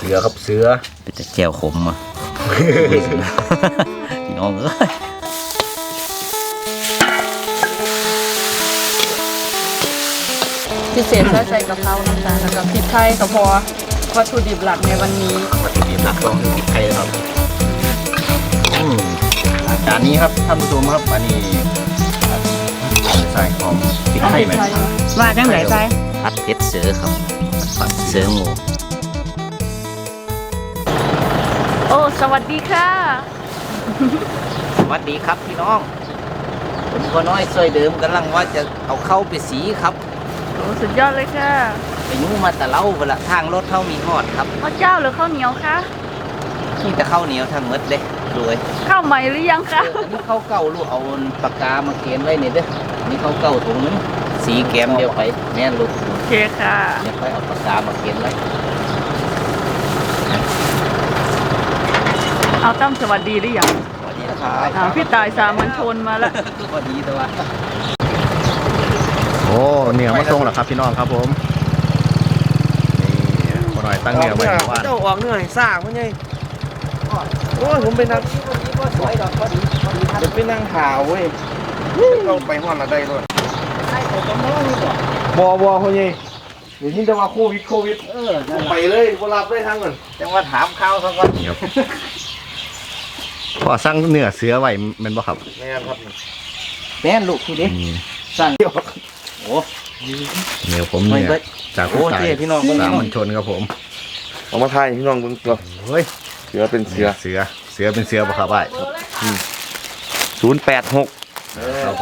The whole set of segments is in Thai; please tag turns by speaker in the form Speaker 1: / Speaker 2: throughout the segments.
Speaker 1: สือครับเสือ
Speaker 2: เป็นแต่แจ่วขมอ่ะพี่น้องเอ้ย
Speaker 3: พิเศษใส่กะเพรานะคะแล้วก็พริกไทยก็พอวัตถุดิบหลักในวันนี้
Speaker 1: วัตถุดิบหลักต้องพริกไทยครับจานนี้ครับท่านผู้ชมครับอันนี้ใส่ของพริกไทยไหม
Speaker 3: ว่าจังไหนใส่
Speaker 2: ผัดเผ็ดเสือครับผัดเสืองู
Speaker 3: โอ้สวัสดีค่ะ
Speaker 2: สวัสดีครับพี่น้องผมก็น้อยซอยเดิมกำลังว่าจะเอาเข้าไปสีครับ
Speaker 3: โอ้สุดยอดเลยค่ะ
Speaker 2: ไปยูมาแต่เล่าเวลาทางรถเข้ามีหอดครับ
Speaker 3: ข้าวเจ้าหรือข้าวเหนียวคะ
Speaker 2: ที่จะเข้าเหนียวทางมดเลยรวย
Speaker 3: ข้าวใหม่หรือยังคะ
Speaker 2: อันนี้เข้าเก่าลูกเอาปากกามาเขียนไว้นี่เด้อนี่เข้าเก่าถุงนึงสีแกมเดียวไปแน่นลูก
Speaker 3: โอเคค่ะ
Speaker 2: เดี๋ยวค่อยเอาปากกามาเขียนไว้
Speaker 3: เอาตั้มสวัสดีหรือยัง
Speaker 2: สวัสดีนะครับ
Speaker 3: พี่ตายสามัญชนมาแล้ว
Speaker 2: สวัสดีตัว
Speaker 1: โอ้เนื้อมาส่งแล้วครับพี่น้องครับผมนี่พอหน่อยตั้งเนื้อไว้ว่า
Speaker 4: เจ้าออกเนื้อให้สร้างมันไงโอ้ยผมไปนั่ง
Speaker 2: วันนี้ก็สวยดอกพอดีครับ
Speaker 4: จะไปนั่งหาเว้ยเราไปห้องละได้ด้วย
Speaker 2: ใช่ผมก็มองนี่บ่
Speaker 4: บอคนไงเดี๋ยวที่จะมาโควิดไปเลยบ่รับได้ทั้งนั้น
Speaker 2: จังว่าถามข้าวเขาก่อน
Speaker 1: ครับพอสั่งเนื้อเสือไว้แมันบ่ครับ
Speaker 4: แม่นครับ
Speaker 2: แม่นลูกทีนี้
Speaker 1: นี่
Speaker 2: สั่งโอ้
Speaker 1: เนื้อผม
Speaker 2: ไม่
Speaker 1: เนี่ย
Speaker 2: เบิด
Speaker 1: จาก
Speaker 2: โอ้
Speaker 1: ผู้ตาย
Speaker 2: เจ๊พี่น้อง
Speaker 1: สามัญชนครับผม
Speaker 4: เอามาทายพี่น้องเบิ่งตัว
Speaker 1: เฮ้ย
Speaker 4: เสือเป็นเสือ
Speaker 1: เสือเป็นเสือบ่ครับไอ้
Speaker 4: 086
Speaker 1: ครับผม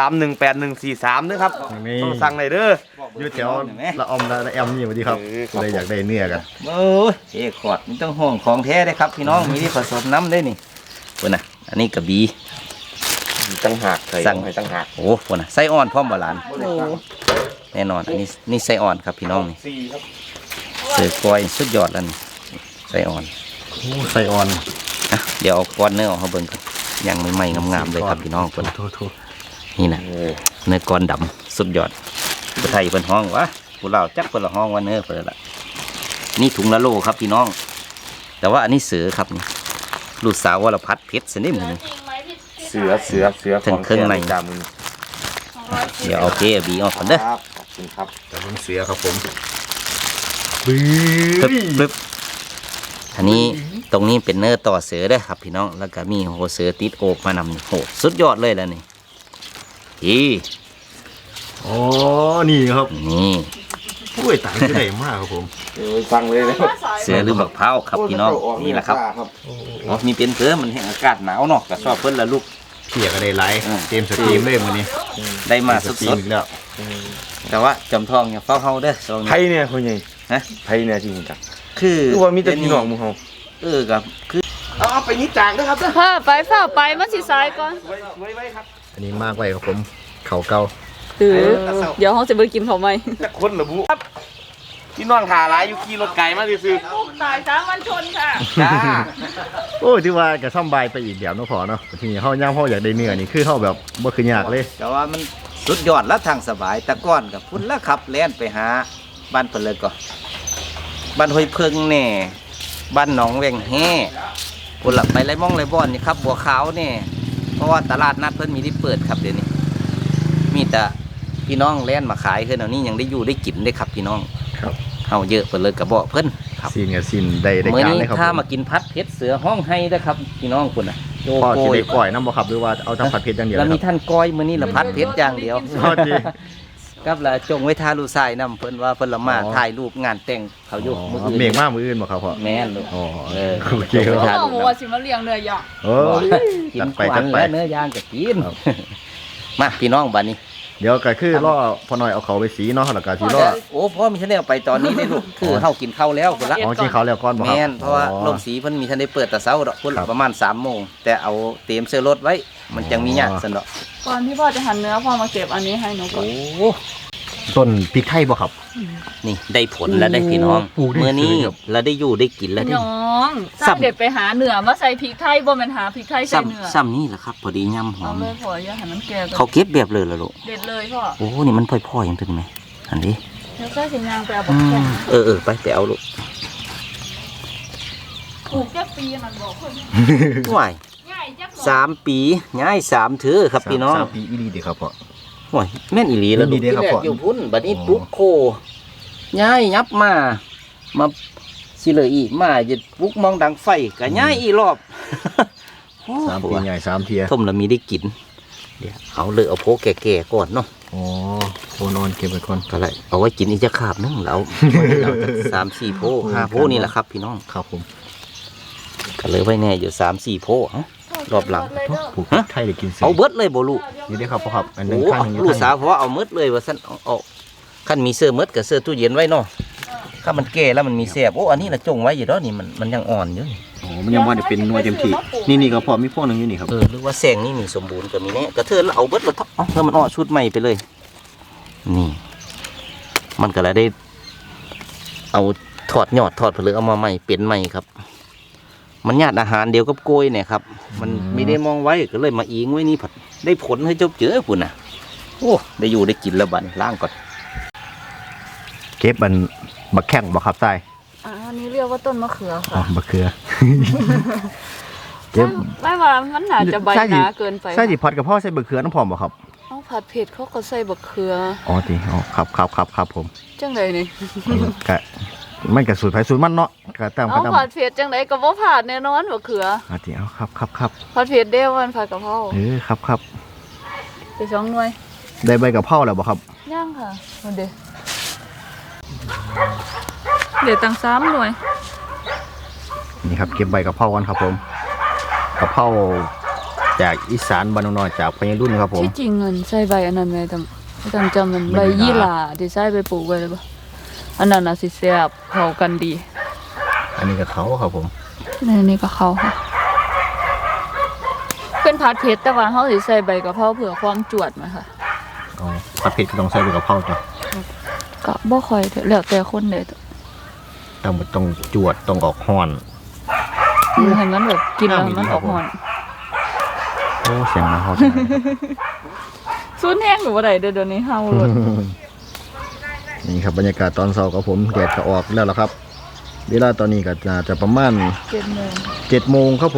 Speaker 4: 3318143นะครับ
Speaker 1: นี่
Speaker 4: ต้องสั่งเลยเด้อ
Speaker 1: อยู่แถวละออมละแอมนี่สวัสดีครับ
Speaker 4: ครับ
Speaker 1: เลยอยากได้เนื้อกัน
Speaker 2: โอ้ยเจ๊ขอดมันต้องห่วงของแท้ได้ครับพี่น้องมีที่ผสมน้ำได้นี่ปุ่นน่ะอันนี้กระบี่
Speaker 4: ตั้งหากใส่
Speaker 2: สั่ง
Speaker 4: ให้ตั้งหาก
Speaker 2: โอ้ปุ่นน่ะไส้อ่อนพร้อมบาลานแน่นอนอันนี้นี่ไส้อ่อนครับพี่น้องนี่
Speaker 4: 4ครับ
Speaker 2: เสือกล้วยสุดยอดแล้วนี่ไส้อ่อน
Speaker 1: โอ้ไส้อ่อน
Speaker 2: อ่ะเดี๋ยวเอาก้อนเนื้อออกมาเบิ่งกันยังใหม่ๆงามๆเลยครับพี่น้องปุ่น
Speaker 1: โทษ
Speaker 2: นี่นะเนื้อก้อนดำสุดยอดผู้ไทยเป็นห้องวะผู้เราจักเป็นละห้องว่าเนื้อเปิดละนี่ถุงละโลครับพี่น้อง แต่ว่าอันนี้เสือครับนี่ลูกสาววรพัฒน์เพชรสนิมนี่
Speaker 4: เสือ
Speaker 2: ถึงเครื่องใน
Speaker 4: จามึง
Speaker 2: เดี๋ยวเอาเกบีออกก่อนเด้อ
Speaker 4: ครับขอบคุณครับ
Speaker 1: แต่ผมเสือครับผมบื้
Speaker 2: ปึ๊บ
Speaker 1: อ
Speaker 2: ปึ๊บอันนี้ตรงนี้เป็นเนื้อต่อเสือเด้อครับพี่น้องแล้วก็มีโหเสือติดโอกมานำนี่โหสุดยอดเลยแล้วนี่อี
Speaker 1: อ๋อนี่ครับ
Speaker 2: นี่
Speaker 1: โอ้ยตายจะได้มากครับผม
Speaker 4: สั่งเลยนะ
Speaker 2: เสือหรือบักเผาวครับพี่น้องนี่แหละครับอ๋อมีเป็นเสือมันแห้งอากาศหนาวเนาะก็ชอบเพิ่นละลูก
Speaker 1: เพียก็ได้ไลฟ์
Speaker 2: อืม
Speaker 1: เกมสตรีมเลยมื้อนี้
Speaker 2: ได้มาส
Speaker 1: ตรี
Speaker 2: ด
Speaker 1: อีกแล้ว
Speaker 2: ๆแต่ว่าจอมทองอย่าเฝ้าเฮาเด้อช่วง
Speaker 4: ไท
Speaker 2: นี้
Speaker 4: ยเนี่ยคนใหญ่
Speaker 2: ฮะ
Speaker 4: ไทยเนี่ยจริงจัง
Speaker 2: คือ
Speaker 4: คือว่ามีแต่พี่น้องมึงเฮา
Speaker 2: ครับคือ
Speaker 4: เอาไปนิดจางนะครับ
Speaker 3: เฮ้อไปเฝ้าไปมาสิสายก่อน
Speaker 4: ไว้ครับ
Speaker 1: อันนี้มากไว้ครับผมเขาเก่า
Speaker 3: เดี๋ยวเขาจะไปกินเขาไหม
Speaker 4: จะคนเหรอบุครับพี่น้องถ่าร้ายอยู่ขี่รถไกลมาซื้อ
Speaker 3: ตายสามัญชนค่ะ
Speaker 4: จ้า
Speaker 1: โอ้ยที่ว่าก็ซ่อมบายไปอีกแบบเนาะพอเนาะทีนี้เฮาย่างเฮาอยากได้เนื้อนี่คือเฮาแบบบ่คือยากเลย
Speaker 2: แต่ว่ามันสุดยอดและทางสบายแต่ก่อนกับพุ่นละครับแล่นไปหาบ้านเพิ่นเลยก็บ้านห้วยเพิงแน่บ้านหนองแวงแฮ่พุ่นละไปไรม่องไรบ่อนนี่ครับบัวขาวนี่เพราะว่าตลาดนัดเพิ่นมีที่เปิดครับเดี๋ยวนี้ มีแต่พี่น้องแล่นมาขายคือเดี๋ยวนี้ยังได้อยู่ได้กินได้ครับพี่น้อง
Speaker 1: ครับ
Speaker 2: เฮาเยอะเพิ่นเลยกระบอกเพิ่นครับ
Speaker 1: ซีนกับซีนได้
Speaker 2: มื้อ
Speaker 1: การ
Speaker 2: นี้
Speaker 1: เลยครับ
Speaker 2: ถ้า
Speaker 1: ผม
Speaker 2: มากินพัดเพชรเสือห้องให้นะครับพี่น้องคุณน่ะโจ
Speaker 1: พ่อ
Speaker 2: โก
Speaker 1: สิ
Speaker 2: ย
Speaker 1: ได้ก่อยน้ำบ่ครับหรือว่าเอาทำผัดเผ็ดอย่างเดียว
Speaker 2: แล้ว
Speaker 1: นะ
Speaker 2: มี
Speaker 1: ครับ
Speaker 2: ท่านก้อยมื้อนี้ละพัดเพชรอย่างเดียว
Speaker 1: พอดี
Speaker 2: กับละจงไว้ทาลูกชายนำเพิ่นว่าเพิ่นละมา
Speaker 1: อ๋อ
Speaker 2: ถ่ายรูปงานแต่งเขาอยู่มื้ออื่น
Speaker 1: เมฆมากมืออื่นบ่ครับพ่อ
Speaker 2: แม่นลูก
Speaker 1: อ๋อ
Speaker 2: เออ
Speaker 1: โอเคค
Speaker 2: ครั
Speaker 1: รับ
Speaker 3: เขาบอกว่าสิมาเลี้ยงเนื้อย่าง
Speaker 1: โอ้ย
Speaker 2: กิน
Speaker 1: จัดไป
Speaker 2: ขวั
Speaker 1: จั
Speaker 2: ญ
Speaker 1: ดไป
Speaker 2: และเนื้อย่างก็กิน
Speaker 1: ครับ
Speaker 2: มาพี่น้องบัดนี้
Speaker 1: เดี๋ยวก็คือล่อพอหน่อยเอาเขาไปสีเนาะแล้วก็สิล่อ
Speaker 2: โอ้พ่อมีท่านได้เอาไปตอนนี้ได้ลูกคือเฮากินข้าวแล้วพุ่นละ
Speaker 1: อ๋อกินเขาวแล้วก่อนบ่ครับ
Speaker 2: แม่นเพราะว่า
Speaker 1: อ๋อ
Speaker 2: โรงสีเพิ่นมีท่านได้เปิดแต่เช้าดอกพุ่น
Speaker 1: ครับ
Speaker 2: ประมาณ3 โมงแต่เอาเตรียมเสื้อรถไว้ มันจังมีหยาดซั่นดอก
Speaker 3: ก่อนที่พ่อจะหั่นเนื้อพ่อมาเก็บอันนี้ให้หนูก่อน
Speaker 2: โอ้
Speaker 1: ต้นพริกไทยบ่ครับ
Speaker 2: นี่ได้ผลแล้วได้พี่น้อง
Speaker 1: ปลูกได้
Speaker 2: เมื่อนี้
Speaker 1: สวยครับ
Speaker 2: เราได้อยู่ได้กินแล้วได้
Speaker 3: น้องสร้างเด็ดไปหาเนื้อมาใส่พริกไทยบ่แม่นหาพริกไทยใส่เนื้อ
Speaker 2: ซ้ำนี่แหละครับ พอดีย่ำหอ
Speaker 3: เอา
Speaker 2: ม
Speaker 3: เลยพ่ออย่าให้มันแก่ก่อน
Speaker 2: เขาเก็บแบบเลยละลูก
Speaker 3: เด็ดเลยพ่อ
Speaker 2: โอ้นี่มันพ่อยๆยังถึงไหมอันนี้
Speaker 3: เดี๋ยวใส่สิยางไปเอาบักแข็ง
Speaker 2: เออไปเอาลูก
Speaker 3: ปลูกจักปีนั่นบอกเพิ่น
Speaker 2: ห่วย
Speaker 3: ง่ายจัก
Speaker 2: 3 ปีย้าย3เถือครับพี่น้อง
Speaker 1: 3 ปีอีหลีเด้ครับพ่อ
Speaker 2: ห่วยแม่นอีหลีแล้ว
Speaker 1: แม่นอีหลีเด้ครับ
Speaker 2: ที่แร
Speaker 1: พ่อ
Speaker 2: กอยู่พุ่นบัดนี้ปุ๊บโคย้ายยับมาสิเลยอีกมาจะปุ๊กมองดังไฟก็ย้ายอีกรอบโอ้
Speaker 1: 3 ปีใหญ่3เทีย
Speaker 2: ต้มแล้วมีได้กินเดี๋ยวเอาเลยเอาโพแก่ๆก่อนเนาะ
Speaker 1: อ๋อโคนอนเก็บไว้ก่อน
Speaker 2: ก็เลยเอาไว้กินอีกจะขาบนึงแล้วเราจะ3-4โพ5โพนี่แหละครับพี่น้อง
Speaker 1: ครับผม
Speaker 2: ก็เลยไว้แน่อยู่3-4โพเอ้ารอบหลัง
Speaker 1: ปลูกไทยได้กินเสีย
Speaker 2: เอาเบิดเลยบ่ลูก
Speaker 1: นี่เด้อครับพ่อครับอันหนึ
Speaker 2: โอ้
Speaker 1: งข้างหนึงอยู่
Speaker 2: ลูก
Speaker 1: ข้าง
Speaker 2: สาวเพราะว่าเอาเมิดเลยว่าซั่นเอาคันมีเสื้อเมิดกับเสื้อตู้เย็นไว้เนาะถ้ามันแก่แล้วมันมีแสบโอ้อันนี้น่ะจงไว้อยู่เนาะนี่มันยังอ่อนอยู่นี่
Speaker 1: โอ้มันยังบ่ได้เป็นหน่วยเต็มที่นี่ก็พอมีพวกหนึงอยู่นี่ครับ
Speaker 2: หรือว่าแสงนี่มีสมบูรณ์ก็มีแน่กระเทินแล้วเอาเบิดแล้วทับเอาเพื่อมันอ้อชุดใหม่ไปเลย นี่ มันก็เลยได้ เอาถอดยอดถอดผลึกเอามาใหม่เปลี่ยนใหม่ครับ มันญาติอาหารเดียวกับโกยเนี่ยครับ มันไม่ได้มองไว้ก็เลยมาอิงไว้นี่ผัดได้ผลให้เจ้าเจอปุ่นน่ะโอ้ได้อยู่ได้กินแล้วบัดนี้ล้างก่อน
Speaker 1: เก็บมันบักแข้งบ่ครับใต้
Speaker 3: อันนี้เรียกว่าต้นมะเขือ
Speaker 1: อ๋อ
Speaker 3: ค่ะ
Speaker 1: บักเขือ เก็บ
Speaker 3: ไม่ว่ามันน่าจะใบหนาเกินไป
Speaker 1: ใส่สิพัดกับพ่อใส่บักเขือน้ำพร้อมบ่ครับ
Speaker 3: เอาผัดเผ็ดเขาก็ใส่บักเขือ
Speaker 1: อ๋อติอ๋อครับผม
Speaker 3: จังไดนี่
Speaker 1: ก็มันก็สูตรไผสูตรมันเนาะก็ตาม
Speaker 3: เอา
Speaker 1: ก็ตาม
Speaker 3: ผัดเผ็ดจังไดก็บ่ผัดแน่นอนบักเขือ
Speaker 1: อ๋อติเอาครับ
Speaker 3: ผัดเผ็ดเด้วันผัดกะเพรา
Speaker 1: ครับ
Speaker 3: ไป2หน่วย
Speaker 1: ได้ใบกะเพราแล้วบ่ครับ
Speaker 3: ย่างค่ะมันเดี๋ยวตั้ง3หน่วย
Speaker 1: นี่ครับเก็บใบกะเพรากันครับผมกะเพราจากอีสานบ้านน้อยจากพญารุ่นครับผม
Speaker 3: ที่จริงเงินใส่ใบอันนั้นไว้ต้องจำมัน
Speaker 1: ใบ
Speaker 3: ใบ
Speaker 1: ยี่
Speaker 3: ยี่
Speaker 1: ห
Speaker 3: ห
Speaker 1: ร่า
Speaker 3: ร่าที่ใส่ไปปลูกไว้เลยปะอันนั้นน่ะสิแซ่บเข้ากันดี
Speaker 1: อันนี้ก็เขาครับผม
Speaker 3: นี่ก็เขาค่ะเป็นผัดเผ็ดแต่ว่าเขาสิใส่ใบกะเพราเผื่อความจวดมาค่ะ
Speaker 1: อ๋อผัดเผ็ดก็ต้องใส่ใบกะเพราจ้ะ
Speaker 3: ก็บ่ค่อยเด้อแล้วแต่คนเลย
Speaker 1: ต้องจวดต้องออกฮ้อน
Speaker 3: ให้มันแบบกินแล้วมันออกหอน
Speaker 1: โอ้เสียงมาเขา
Speaker 3: ซุนแห้งหรือว่าใดเดี๋ยวนี้เฮาเลย
Speaker 1: นี่ครับบรรยากาศตอนเช้ากับผมแดดก็ออกแล้วล่ะครับ เวลาตอนนี้ก็จะประมาณ
Speaker 3: 7 โมง
Speaker 1: 7 โมงครับผม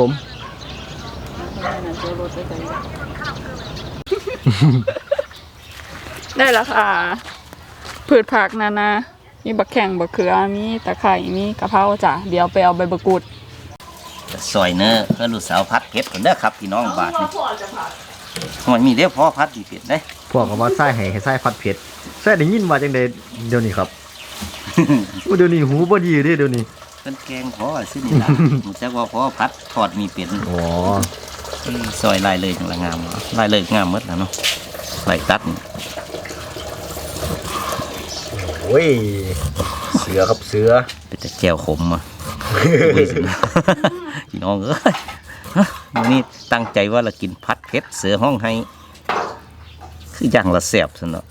Speaker 3: ได้แล้วค่ะพืชผักนานามีบักแข้งบักเขือมีตะไคร้มีกะเพราจ้ะเดี๋ยวไปเอาใบมะกรูด
Speaker 2: ซอยเนื้อเพื่อลูกสาวพัดเผ็ดคนเด้อครับพี่น้องบาทนี่หอยมีเด้อพ่อพัดดีเผ็ดได้
Speaker 1: พวกก็ว่าไส้ให้ไส้ผัดเผ็ดไส้ได้ยินว่าจังได๋เดี๋ยวนี้ครับ เดี๋ยวนี้หูบ่ดีเด้เดี๋ยวนี้
Speaker 2: เป็นแกงพ่อซึ่งนี่ล่ะ มันจะว่าพ่อพัดทอดมีเป็น
Speaker 1: อ๋อ
Speaker 2: ซอยลายเลยจังละงามลายเลยงามหมดแล้วเนาะลายตัดนี่
Speaker 1: โอ้ยเสือครับเสือ
Speaker 2: เป็นแต่แก้วขมอ่ะ อุ้ยสินะพี่น้องเอ้ยฮะมื้อนี้ตั้งใจว่าเรากินพัดเผ็ดเสือห้องให้คืออย่างละแซ่บซะเนาะ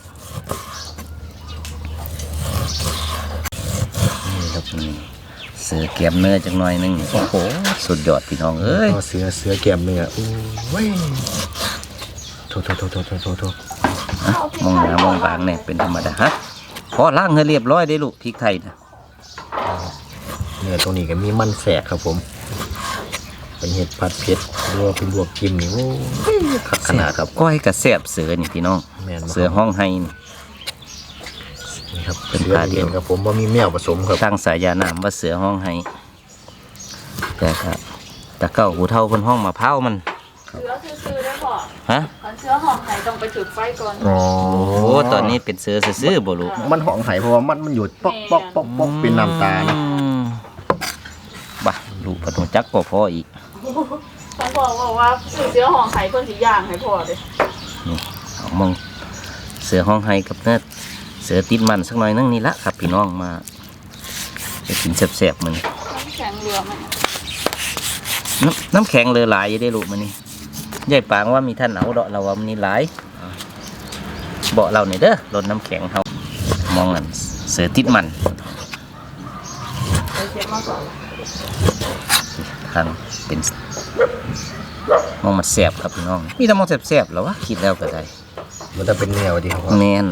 Speaker 2: นี่ครับนี่เสือแกมเนื้อจังหน่อยหนึงโอ้โหสุดยอดพี่น้องเอ้ย
Speaker 1: เสือแก้มเนื้อโอ้ยโทษ
Speaker 2: ฮะมองหน้ามองบางเนี่ยเป็นธรรมดาฮะพอล้างให้เรียบร้อยได้ลูกพริกไทยนะ
Speaker 1: เนื้อตรงนี้ก็มีมันแสกครับผม เป็นเห็ดผัดเผ็ดหรือว่าเป็นลวกจิ้มนี่โอ้ยคักขนาดครับ
Speaker 2: ก้อยกับแซ่บเสือนี่พี่น้อง
Speaker 1: แม่นบ่
Speaker 2: เสือห้องให้นี่
Speaker 1: นี่ครับ
Speaker 2: เป็น
Speaker 1: เสือ
Speaker 2: ผ้าเดี
Speaker 1: เดี
Speaker 2: ย
Speaker 1: ยว วครับผมว่ามีแมวผสมครับ
Speaker 2: ตั้งสายานามว่าเสือห้องให้แต่ครับแต่เก้าหูเท่าคนห้องมาเผามัน
Speaker 3: เชื้อซื้อได้พอ
Speaker 2: ฮะ
Speaker 3: คันเชื้อหอมไหนต้องไปจุดไฟก่อน
Speaker 1: อ๋อ
Speaker 2: โอ้ตอนนี้เป็นเสือซื่อๆบ่ลูก
Speaker 1: มันหองไห้เพราะว่ามันอยู่ป๊อกเป็นน้ำตานะ
Speaker 2: บ้าลูกปนุจักก็พออีก
Speaker 3: เขาบอกว่าซื้อเชื้อหอมไข่เพิ่นสิย่างให้พอเด้
Speaker 2: นี่เอามองเสือห้องให้กับเนื้อเสือติดมันสักหน่อยนึงนี่ละครับพี่น้องมาไปกินแซ่บๆมัน
Speaker 3: น้ำแข็งเรือมัน
Speaker 2: น้ำแข็งเรือหลายอยังได้ลูกมันนี่ยายปางว่ามีท่านเอาเดาะเราว่ามันนี่หลายเบาะเราเนี่ยเด้อรถน้ำแข็งเขามองนั่นเสือติดมัน
Speaker 3: ไปเช็ดมาก่อน
Speaker 2: ทางเป็นมองมันแสบครับพี่น้องมีแต่มองแสบๆแล้ววะคิดแล้วก็ได้
Speaker 1: มันจะเป็นแนวดีครับ
Speaker 2: แมน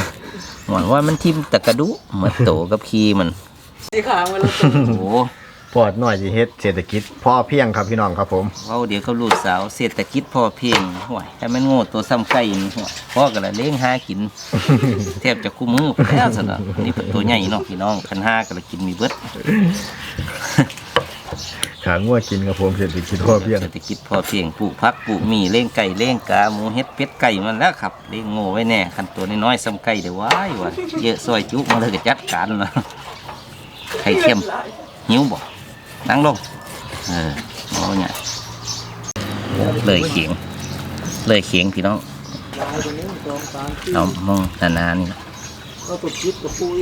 Speaker 2: หวังว่ามันทิ่มแต่กระดูกเหมือนโตกับขี้มัน
Speaker 3: สีขาวมันละ
Speaker 2: โอ้
Speaker 1: ปอดหน่อยสิเฮ็ดเศรษฐกิจพอเพียงครับพี่น้องครับผม
Speaker 2: เว้าเดี๋ยวก็ลูกสาวเศรษฐกิจพอเพียงห่วยแต่มันโง่ตัวซ้ำไก่นี่ห่วยพ่อก็ละเลี้ยงหากิน แทบจะคู่มือไปแล้วซะนะนี่เป็นตัวใหญ่เนาะพี่น้องคันห้าก็ละกินมีเบิด
Speaker 1: ขางัวกินครับผมเศรษฐกิจพอเพียง
Speaker 2: เศรษฐกิจพอเพียงปลูกผักปลูกหมี่เลี้ยงไก่เลี้ยงกาหมูเฮ็ดเป็ดไก่มันแล้วครับเลี้ยงโง่ไว้แน่คันตัวน้อยๆซ้ำไก่เดี๋ยวว้ายว่ะเยอะซอยจุมาเลยก็จัดการแล้วไข่เค็มหิวบ่นั่งลงเอาเนี่ยเลยเขียงเลยเขียงพี่น้องเอามองนานๆนี่นะ
Speaker 4: ก็ตุกคิดกับปุ้ย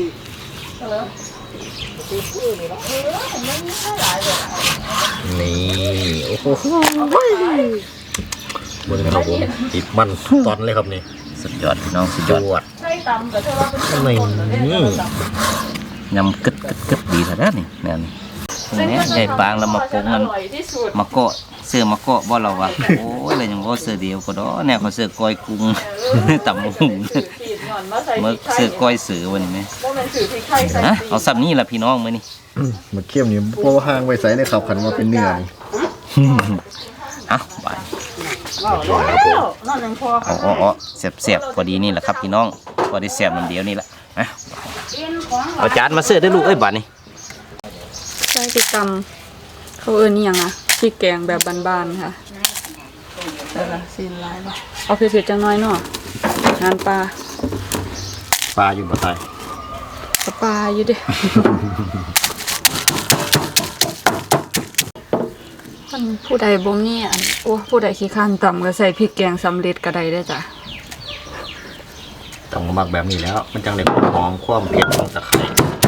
Speaker 1: นี่โอ้โหบนครับผมติดมันตอนเลยครับนี่
Speaker 2: สุดยอดพี่น้องสุด
Speaker 1: จ
Speaker 2: ยอด
Speaker 1: วด
Speaker 3: ใส่ตำแต่ว่าเป็น
Speaker 1: นี่
Speaker 2: ยำกึดกึดกึดดีซะแล้วนี่แนวนี้เนี่ยใหญ่ปางแล้วมาปรุงมัน
Speaker 3: อร่อยที่สุด
Speaker 2: มาเกาะเสื้อมาเกาะบ่เราวะโอ้ยอะไรยังบ่เสื้อเดียวก็ดอแนวเขาเสื้อก้อยกุ้งตำหุง
Speaker 3: สื่อผิดหน่อนมาใส่
Speaker 2: เมื่อ
Speaker 3: พริกไทย
Speaker 2: เสื้อก้อยเสือวันนี้ไหม
Speaker 3: ว่ามันสื่อพริกไทยใส่
Speaker 2: ฮะ
Speaker 3: ตี
Speaker 2: เอาซับนี่ล่ะพี่น้องมื้อนี้
Speaker 1: มาเคี่ยวนี่โปห่างไว้ใส่เลยครับขันว่าเป็นเนื้อนี่
Speaker 2: เอาไป
Speaker 3: แล้วนั่นยังพอ
Speaker 2: เอาเสียบๆพอดีนี่แหละครับพี่น้องพอได้เสียบมันเดียวนี่แหละนะเอาจานมาเสื้อได้ลูกเอ้ยบัดนี้
Speaker 3: ใส่พริกตำเขาเอิ้นนี่ยังอ่ะพริกแกงแบบบ้านๆค่ะแต่ละซีนลายบ่เอาเผ็ดๆจังน้อยเนาะงานปลา
Speaker 1: ปลาอยู่บ่ใต้
Speaker 3: ปลาอยู่เดิคนผู้ใดบ่มีอันโอ้ผู้ใดขี้ข้านต่ำก็ใส่พริกแกงสำเร็จก็ได้เด้อจ้ะ
Speaker 1: ต้องหมักแบบนี้แล้ว มันจังได้ความหอมความเผ็ดของตะไคร้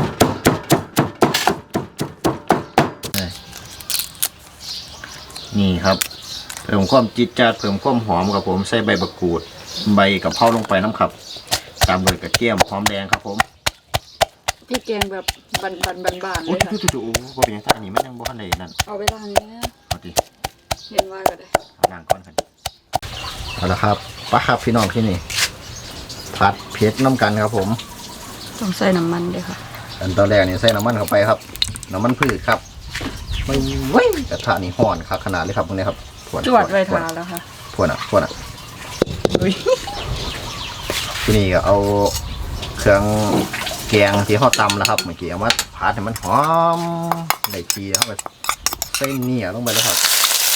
Speaker 1: นี่ครับเพิ่มความจิตจัดเพิ่มความหอมครับผมใส่ใบมะกรูดใบกะเพราลงไปน้ำครับตามด้วยกระเทียมหอมแดงครับผม
Speaker 3: พริกแกงแบบบ้านๆเล
Speaker 1: โอ้ย
Speaker 3: ยค่ะ
Speaker 1: จู่ๆบ่เป็นหยังท่านี้มันยังบ่ทันได้นั่น
Speaker 3: เอาไปล้างเนี้ย
Speaker 1: เอาดิ
Speaker 3: เห็นว่าก็ได้
Speaker 1: เอาล้างก่อนกันเอาละครับป้าครับพี่น้องที่นี่ผัดเผ็ดน้ำกันครับผม
Speaker 3: ต้องใส่น้ำมันด้วยค่ะ
Speaker 1: อันตอนแรกนี่ใส่น้ำมันเข้าไปครับน้ำมันพืชครับไม่เว้ยกระทะนี่ห่อนครับขนาดเลยครับตรงนี้ครับ
Speaker 3: จวดไว้ทาแล้วค่ะ
Speaker 1: พวกน่ะ
Speaker 3: อุ้ย
Speaker 1: ที่นี่ก็เอาเครื่องแกงที่ห่อตำแล้วครับเมื่อกี้เอามาผัดให้มันหอมได้ทีแล้วก็ใส่เนี่ยลงไปแล้วครับ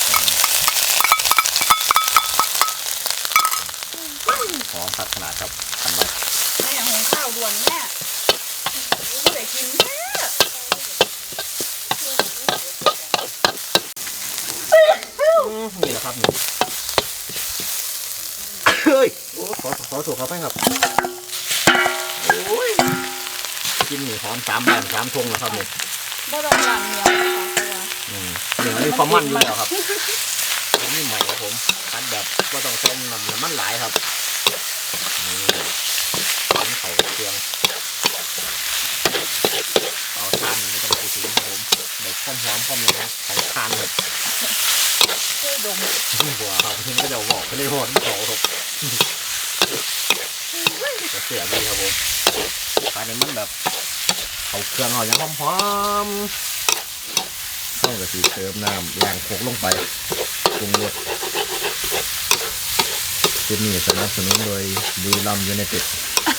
Speaker 1: หอมผัดขนาดครับทำไว้
Speaker 3: แม่หุงข้าวด่วนแม่ไม่ได้กินแม่
Speaker 1: นี่แหละครับนี่เฮ้ยขอถูกเขาไปครับโอ้ยกินหมูหอม3 แบบ3 ทงแล้วครับนี่
Speaker 3: บ่ต้องล้างเหนียวนะคะเพราะว่า
Speaker 1: หนึ่งมีความมันอยู่แล้วครับผมนี่ใหม่ครับผมคัดแบบว่าต้องเส้นน้ำมันหลายครับนี่ขันเขาเครื่องเอาทานไม่ต้องพูดถึงครับผมเด็กความหอมความเลยนะของทานแบบ
Speaker 3: ช่วยดม
Speaker 1: หัวครับทิ้งก็จะบอกไปเลยหอมเขาครับจะเสียดีครับผมทานมันแบบเอาเครื่องเอาอย่างหอมๆต้องกระสีเติมน้ำล้างโคกลงไปปรุงรสคลิปนี้สนับสนุนโดยบุรีรัมย์ยูไนเต็ด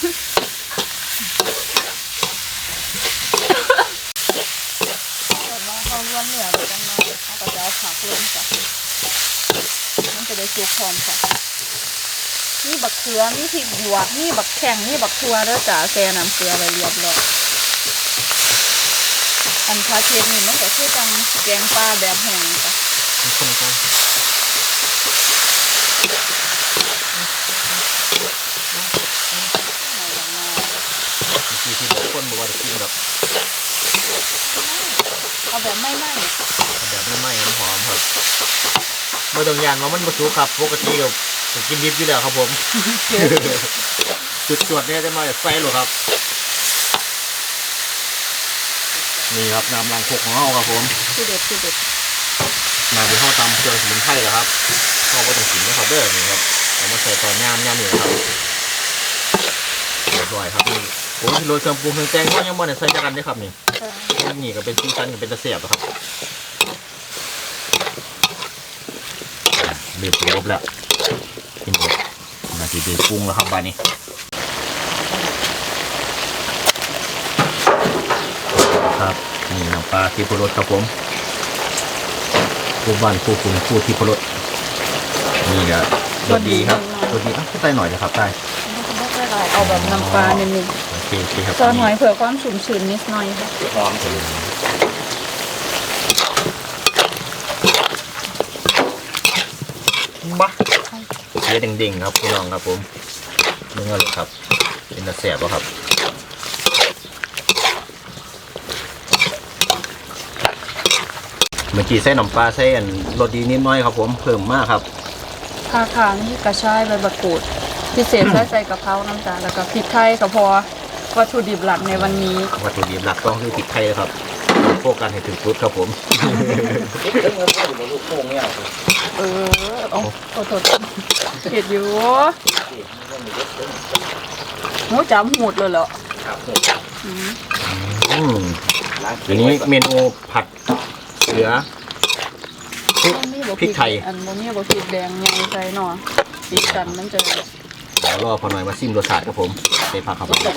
Speaker 3: แต่ว่าเขาล้วนเหนือไปจังเลยเขาก็จะเอาผักลงจ้ะมันจะได้สุกพร้อมค่ะนี่บักเขือนี่พริกหยวกนี่บักแข้งนี่บักทัวเด้อจ้ะแซ่น้ำเกลือไว้เรียบร้อยอันพาเทศนี่มันก็คือจังแกงปลาแบบแห้งจ้ะ
Speaker 1: คนกันที่บอกคนบอกว่าจะกินแบบ
Speaker 3: เอาแบบไม่ไหม้
Speaker 1: แบบไม่ไหม้หอมครับเมื่อตรงยานว่ามันบรสุครับปกติกับผมกินดิบอยู่แล้วครับผม จุดจวดเนี่ยจะมาจากไฟหรอครับนี่ครับน้ำล้างโคกของเราครับผม
Speaker 3: คือเด็ดคือเด็ด
Speaker 1: มาที่ห้องตำเครื่องสมุนไพรเหรอครับเข้าไปตรงสินนะครับเด้อนี่ครับเอามาใส่ตอนย่ามนี่นะครับบร้อยครับนี่ผมที่โรยเครื่องปรุงเครื่องแกงก็ยังบ่ได้ใส่จักกันได้ครับนี่นี่ก็เป็นซีซันก็เป็นตะเสียบครับเรียบร้อยแล้วกินหมดนาทีเดือดปรุงแล้วครับบ้านนี้ครับนี่น้ำปลาที่พรสครับผมคู่บ้านคู่คุณคู่ที่พรสนี่ก็รสดีครับรสดีอ่ะใส่หน่อยนะครับใส่
Speaker 3: ไม่ได้เอาแบบน้ำปลานิดนึง
Speaker 1: โอเคครับ
Speaker 3: ซอสหน่อยเผื่อความชุ่มชื้นนิดหน่อยค่ะ
Speaker 2: หอมเลย
Speaker 1: บ้าเสียดิ่งๆครับพี่น้องครับผมนี่ก็เลยครับเป็นตะแสบแล้วครับเมื่อกี้ใส่น้ำปลาใส่รสดีนิดน้อยครับผมเพิ่มมากครับ
Speaker 3: ค่ะนี่กระชายใบมะกรูดพิเศษใส่กะเพราน้ำตาลแล้วก็พริกไทยก็พอวัตถุดิบหลักในวันนี้
Speaker 1: วัตถุดิบหลักต้องคือพริกไทยครับโฟกัสให้ถึงจุดครับผม
Speaker 2: คิดถึงเงินอยู่บนลูกโป่งเนี่ย
Speaker 3: เอาโทษเผ็ดอยู่หมูจำหูดเลยเหรอ
Speaker 2: ครับ
Speaker 1: อันนี้เมนูผัดเสือ พริกไทย
Speaker 3: อันนี้บอกพริกแดงใหญ่ใส่หน่อพริกกันมันจะ
Speaker 1: เดี๋ยวรอพอหน่อยมาซิมรสชาติครับผมใส่ผักครับพอห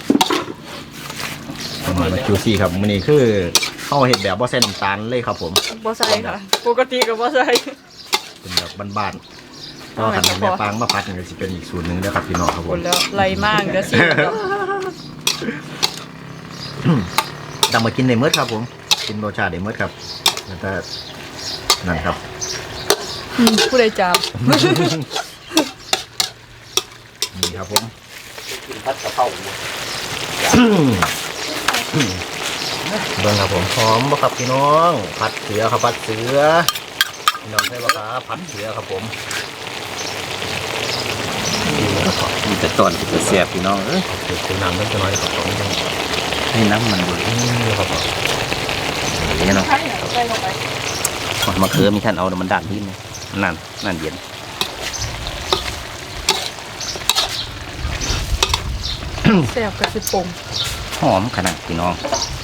Speaker 1: น่อยมาจูซี่ครับมื้อนี้คือเข้าเห็ดแบบบ่ใส่น้ำตาลเลยครับผม
Speaker 3: บ่ใส่ค่ะปกติก็บ่ใส่
Speaker 1: เป็นแบบบ้านๆก็ขันแม่ปางมาผัดนี่ก็สิเป็นอีกสูตรหนึงนะครับพี่น้องครับผ
Speaker 3: ค
Speaker 1: ม
Speaker 3: นแล้วไรมากจะสิ
Speaker 1: ดำมากินในเมื่อครับผมกินรสชาติในเมื่อครับแล้วก็นั่นครับ
Speaker 3: ผู้ใดจาม
Speaker 1: นี่ครับผม
Speaker 2: กินผัดกะเพรา
Speaker 1: เบิ่งครับผมหอมบ่ครับพี่น้องผัดเสือครับผัดเสือพี่น้องใช่ปะครับผัดเสือครับผม
Speaker 2: มีแต่ตอนที่จะเสียบพี่น้องเอ้ย
Speaker 1: เดี๋ยวคุณน้ำเล็กน้อยครับผม
Speaker 2: ให้น้ำมันบุย
Speaker 1: นี่ครับผม
Speaker 2: นี่เนาะ
Speaker 3: ใช่ใส่ลงไป
Speaker 2: มะเขือมีท่านเอามันดันที่ไหมนั่นเย็น
Speaker 3: แซ่บกระสิปง
Speaker 2: หอมขนาดพี่น้อง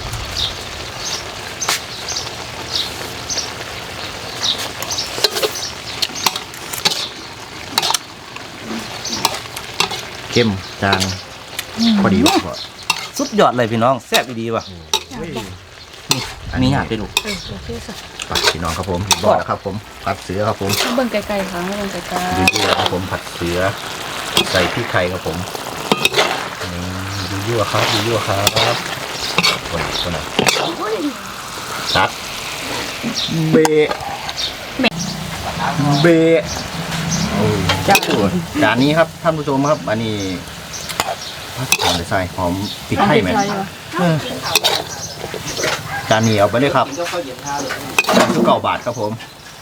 Speaker 1: เข้มจางพอดีว่ะ
Speaker 2: สุดยอดเลยพี่น้องแซ่บดีว่ะมีหยาดไปลูก
Speaker 3: โอเคค่ะ
Speaker 1: ผัดพี่น้องครับผมบอกแล้วครับผมผัดเสือครับผม
Speaker 3: เบิ่งไกลๆค่ะเบิ่งไกล
Speaker 1: ยั่วๆครับผมผัดเสือใส่พริกไทยครับผมนี่ยั่วๆครับยั่วๆครับคนไหนซัดเบะเบะโอ้จ้าจานนี้ครับท่านผู้ชมครับอันนี้ผัดหอมใส่หอมพริกไทยไหมจานนี้เอาไปเลยครับ9 บาทครับผม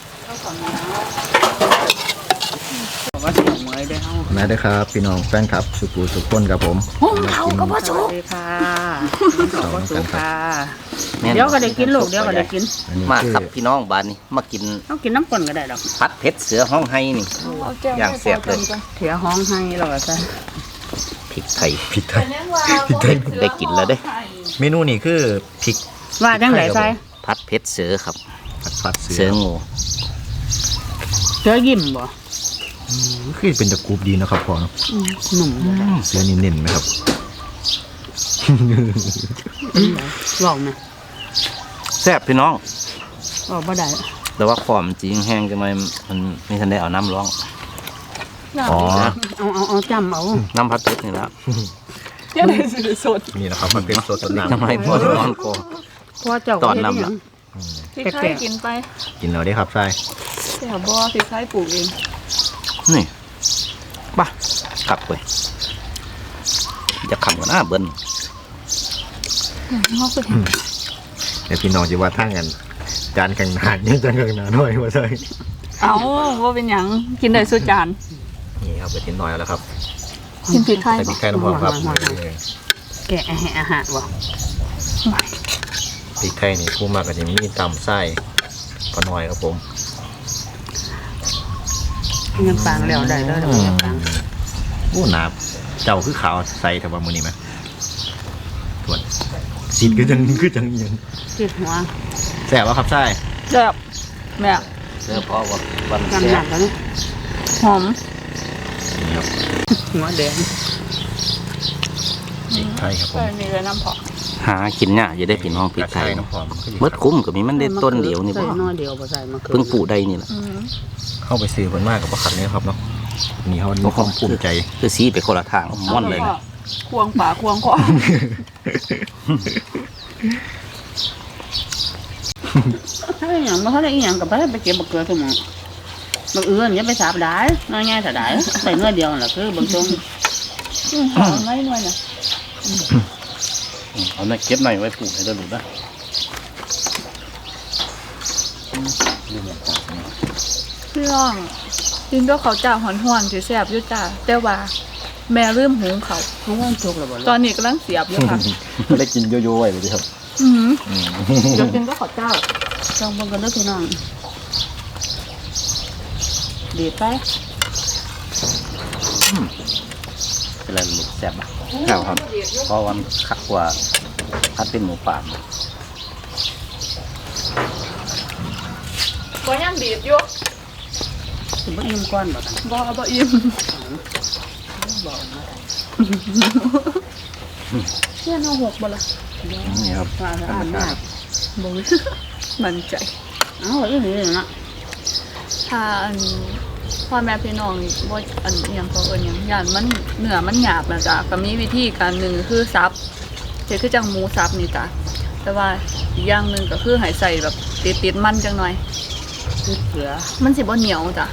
Speaker 3: ว่าสิเอาไว้ได้เฮา
Speaker 1: มาได้ครับพี่น้องแฟนครับสุกูสุกคนครับผม
Speaker 3: เขาก็บ่สุกค่ะ
Speaker 1: เขาก็สุกค่ะ
Speaker 3: เดี๋ยวก็ได้กินลูกเดี๋ยวก็ได้กิน
Speaker 1: อันนี้
Speaker 2: มา
Speaker 1: คือ
Speaker 2: ครับพี่น้องบ้านนี้มากิน
Speaker 3: เอากินน้ำก่อนก็ได้ดอก
Speaker 2: ผัดเผ็ดเสือห้องไห้นี่ อย่างแซ่บเลย
Speaker 3: เถียห้องให้เราก็ใส่
Speaker 2: พริกไทย
Speaker 1: พริกไทย
Speaker 2: ได้กินแล้วเด้
Speaker 1: เมนูนี้คือพริก
Speaker 3: ว่าจังได๋ใส่
Speaker 2: ผัดเผ็ดเสือครับ
Speaker 1: ผัดเสื
Speaker 2: เสืองู
Speaker 3: เสือยิ้มบ่
Speaker 1: คือเป็นตะกรูบดีนะครับพ่อเนาะ
Speaker 3: หนุ่ม
Speaker 1: เสือนิ่มๆไหมครับ
Speaker 3: ลองนะ
Speaker 2: แซ่บพี่น้อง
Speaker 3: บ่ได้
Speaker 2: แต่ว่าความจริงแห้งจังไมมันไม่ทันได้เอาน้ำร้อง
Speaker 1: อ๋อ
Speaker 3: เอาจำเอา
Speaker 2: น้ำผัดเผ็ดนี่ละ
Speaker 3: ยังได้สิสด
Speaker 1: นี่นะครับมันเป็นสดต้นน้ำ
Speaker 2: ทำไมพ่อร้อนคอ
Speaker 3: เพราะเจ้า
Speaker 2: ตอนนำล่ะ
Speaker 3: พริกไทยกินไป
Speaker 1: กินแล้วได้ครับใช่
Speaker 3: แต่บ่พริกไทยปลูกเอง
Speaker 2: นี่ป่ะกลับไปจะขำกันหน้าเบิ้ล
Speaker 3: เฮาคือ
Speaker 1: เดี๋ยวพี่น้องจะว่าทั้งกันจานกลางนานยังจานกลางนานหน่อยว่าใช่
Speaker 3: เอาว่าเป็นหยังกินได้สุดจาน
Speaker 1: นี่ครับไปทิ้งหน่อยแล้วครับ
Speaker 3: กินพริกไทย
Speaker 1: ใส่พริกไทยน้ำหอมครับ
Speaker 3: แกะอาหารบ่
Speaker 1: พริกไทยนี่ผู้มากก็จะมีตำไส้พอหน่อยครับผม
Speaker 3: เงินปางแล้วได้แล้วเงินปาง
Speaker 1: โอ้หนาเจ้าคือขาวใส่แต่ว่ามือนี้ไหมทวนสีคือจังยัง
Speaker 3: ติดหัว
Speaker 1: แซ่บวะครับใช่
Speaker 3: แซ่บแม่
Speaker 2: เสื้อพอว่าวัน
Speaker 3: น้ำ
Speaker 2: แซ่
Speaker 3: หนักแล้วนี่หอม
Speaker 1: นี่ครับ
Speaker 3: หัวแดง
Speaker 1: พริกไทยครับผม
Speaker 3: ใส่นี่เลยน้ำเผาะ
Speaker 2: หากินเนี่ยอย่าได้พี่น้องพริกไทย
Speaker 1: น้ำหอม
Speaker 2: เมื่อคุ้มก็มีมันได้ต้นเดียวนี่บ่
Speaker 3: ใส่น้อยเดียวบ่ใส่มะเขือ
Speaker 2: เพิ่งปลูกได้นี่แหละ
Speaker 1: เข้าไปซื้อมันมากกับประคันนี้ครับเนาะนี่เขามีความภูมิใจ
Speaker 2: คือสีไปคนละทางม่อนเลยนะ
Speaker 3: ควงป่าควงคอถ้าอหย่างมันเขาได้อหย่างกับไปเก็บมะเขือสมองบักเอื้อนอย่าไปสาบได้น้อยง่ายแต่ได้ใส่น้อยเดียวน่ะคือบางตรงหอมไว้หน่อยน่ะ
Speaker 2: เอาหน่อยเก็บหน่อยไว้ปลูกให้ได้รู้นะ
Speaker 3: พี่น้องกินด้วยเขาวเจ้าหอนๆสิแซ่บอยู่จ้าแต่ว่าแม่ลืมหุงเขาว
Speaker 2: ทุกวันทุกระบ
Speaker 3: ตอนนี้กำลังเสียบอยู่ค่ะ
Speaker 1: ไม่ได้กินโยโย่ไว้เลยครับ
Speaker 3: เดี๋ยวกินก็ขอเจ้าลองเบิ่งกันเด้อพี่น้องดีดไป
Speaker 2: เป็นไรหลุดแซ่บอ่ะ
Speaker 1: ข้าวครับ
Speaker 2: เพราะวันคักกว่าคัดเป็นหมูป่า
Speaker 3: ก็ยังดีดอยู่
Speaker 2: คือบ่อิ่มก้อนบ่กัน
Speaker 3: บ่อิ่ม
Speaker 2: บอกนะ
Speaker 3: เพื่อนเอาหกบ่ล่ะ
Speaker 1: นี่ครับ
Speaker 2: ว่าจะอ่านได้
Speaker 3: บ่ มั่นใจ
Speaker 2: เอ้าอีนี่นะ
Speaker 3: ถ้าอันพ่อแม่พี่น้องบ่อันอิหยังเขาเอิ้นหยังย่านมันเนื้อมันหยาบนะจ๊ะก็มีวิธีการหนึงคือสับเฮ็ดคือจังหมูสับนี่จ้ะแต่ว่าอีกอย่างหนึงก็คือให้ใส่แบบติดๆมันจังหน่อย
Speaker 2: คือเสือ
Speaker 3: มันสิบ่เหนียวจ้ะ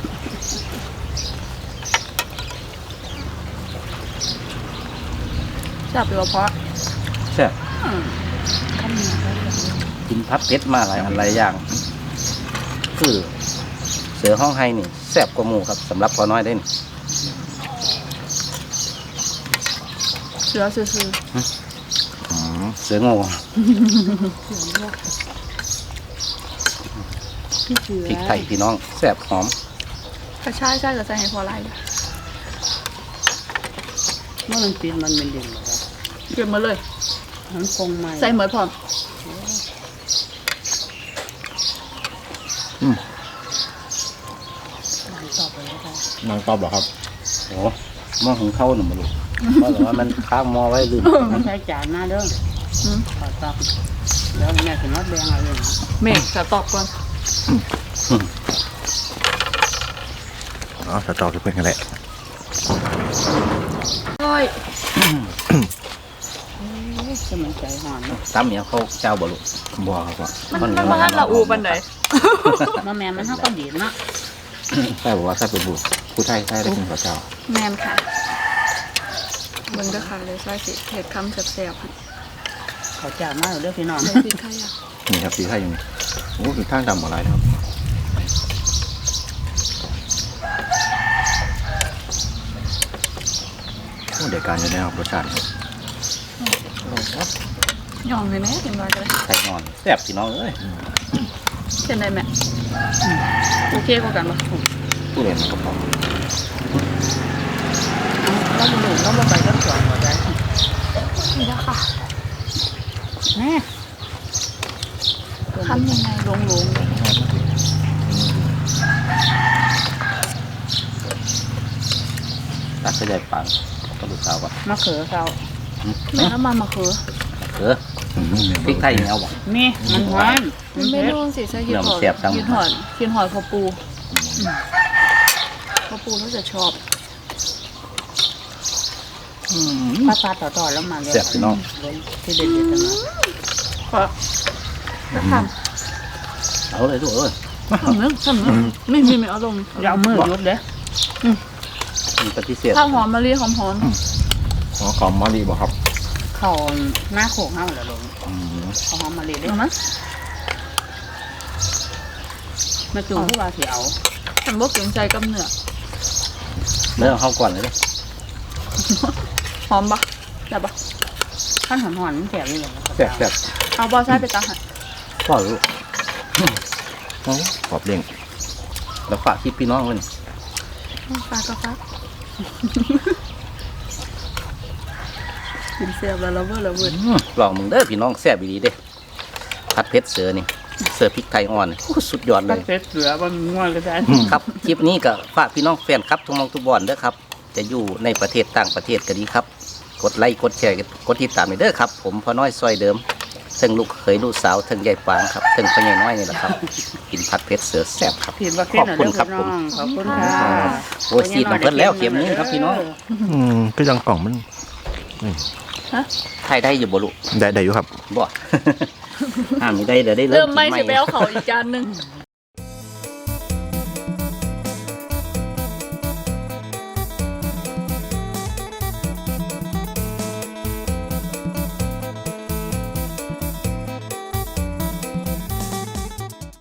Speaker 3: จับไปว่าเพราะ
Speaker 2: แซ่บ
Speaker 3: คำนี้ก็ได้
Speaker 2: กินพัดเพชรมาหลายอันหลายอย่าง คือเสือห้องไห้นี่แซ่บกว่าหมูครับสำหรับพอน้อยได้นี่
Speaker 3: เสือซื่อ
Speaker 2: เสือโง่
Speaker 3: พี่เสือ
Speaker 2: พริกไทยพี่น้องแซ่บหอม
Speaker 3: กระชายใช่ก็ใส่ให้พอไร
Speaker 2: เมื่อมันปีนมันเป็นดินหรอ
Speaker 3: เก็บมาเลย
Speaker 2: มันคงไม่
Speaker 3: ใส่เหมือนพร้อม
Speaker 1: นางตอบเหรอครับ
Speaker 2: โอ้หม้อหุงข้าวหนึ่งมาลูกเพราะว่ามันข้างหม้อไว้ลืม
Speaker 5: ไม่ใช่จานมาเด้อ
Speaker 3: อืม
Speaker 5: ขอตับแล้วแม่ถึงว่าแดงอะไรนะ
Speaker 3: เมฆจะตอบก่อน
Speaker 1: อ๋อสตอคือเพื่อนกันแหละ
Speaker 3: ร้อย
Speaker 5: จะมันใจหอนเนาะ
Speaker 2: ตำเนี่ยเขาเจ้าบ่ลูก
Speaker 1: บัวครับว่า
Speaker 3: มันมาหันละอูบันได
Speaker 5: มาแม่มันเท่าก็ดีเนาะ
Speaker 1: ใช่บอกว่าใช่เป็นบุผู้ไทยใช่ได้กินข้าวเจ้า
Speaker 3: แมนค่ะเบิ่งเด้อค่ะเลยใส่สิเห็ดคำแซ่บๆค่ะ
Speaker 5: เขาจานมาเด้อพี่น้อง
Speaker 3: ใส่พริกไทยอ่ะ
Speaker 1: นี่ครับสีไทยอยู่นี่โอ้คือข้างดำอะไรนะครับโอ้เดี๋ยวการจะได้ครับรสชาติครับ
Speaker 3: ย่องเลยแม่กินมาก็ได้
Speaker 2: ไข่นอนแซ่บพี่น้องเอ้ย
Speaker 3: เป็นไรแม่โอเคกว่ากันปะ
Speaker 2: ผู้เรียนมันก็พอ
Speaker 5: เราดูเราบ่ไปก็สวยหมดเลย
Speaker 3: นี่แล้วค่ะ
Speaker 5: แม่
Speaker 3: ทำยังไงลงๆเลย
Speaker 2: ตักใส่ใหญ่ปังก็ดูสาวก่อน
Speaker 5: มะเขือเขา
Speaker 3: แม่น้ำมันมะเขือ
Speaker 2: พริกไทยนี่เอาบ่
Speaker 5: นี่มันหวาน
Speaker 3: มันไม่รู้สิใช่ยินหอด
Speaker 2: เดี๋ยวมันแซ่บจัง
Speaker 3: ยินหอดพอปูพอปูเขาจะชอบ
Speaker 5: ป้าต่อแล้วมาเลย
Speaker 2: แซ่บพี่น้อง
Speaker 5: ที่เด็ดๆกันเนาะ
Speaker 3: ขอจะท
Speaker 2: เอาเลยลูกเอ้ย
Speaker 3: ำทำไม่เอาลง
Speaker 5: อย่าเอามือยุบเด้อ
Speaker 2: มีปฏิเสธ
Speaker 3: ข้าวหอมมะลิหอม
Speaker 1: อ๋อขอมมารีบอกครับ
Speaker 5: เขาหน้าโขกเฮาเหรอลงเขาหอมมะลิ
Speaker 3: ๆ
Speaker 5: เด้อ
Speaker 3: เอามั้ย
Speaker 5: มาจูงผู้ว่าสิเอา
Speaker 3: ฉันบอกเกรงใจกับเนื้อ
Speaker 2: เนื้อเข้าก่อนเลยเด้อ
Speaker 3: หอมปะแบบปะ
Speaker 5: ขั้นหอนๆมันแสบเลยเหรอ
Speaker 2: แซ่บแซ่บ
Speaker 3: เอาบอใส่ไปตาหัน
Speaker 2: พ่อลูก
Speaker 1: โอ้ขอบเด้ง
Speaker 2: แล้วฝากคลิปพี่น้องเลย
Speaker 3: ปลากระฟักกินเสียบแล้วระเบิดระเบิด
Speaker 2: ลองมึงเด้อพี่น้องแซ่บดีเด้ผัดเผ็ดเสือนี่เสือพริกไทยอ่อนโอ้สุดยอดเลย
Speaker 5: เพชรเสือมันง่วงก็ได้
Speaker 2: ครับคลิปนี้ก็ฝากพี่น้องแฟนครับทุกหมองทุกบอนเด้อครับ จะอยู่ในประเทศต่างประเทศก็ดีครับ กดไลค์กดแชร์กดติดตามให้เด้อครับ ผมพ่อน้อยซอยเดิมทั้งลูกเคยลูกสาวทั้งยายปางครับทั้งพ่อใหญ่น้อยนี่แหละครับ กินผัดเผ็ดเสือแซ่บครับ
Speaker 5: ผิดว่าเค็
Speaker 2: ข
Speaker 5: ม
Speaker 2: อบ
Speaker 5: หน่อย
Speaker 2: คุณ
Speaker 5: เด้อ
Speaker 2: ครับผ
Speaker 5: พี่
Speaker 2: ม
Speaker 5: น้องขอบคุณค่ะ
Speaker 2: โอ้ยซีดน้ำเพิ่นแล้วเข็มนึงครับพี่น้อง
Speaker 4: ก็ยังกล่องมัน
Speaker 2: ไทยได้อยู่บ่ลูก
Speaker 4: ได้อยู่ครับ
Speaker 2: บ่ มีได้เดี๋ยวได้
Speaker 3: เริ่มไม่
Speaker 2: กิน
Speaker 3: สิไปเอาเขาอีกจานหนึง
Speaker 2: อ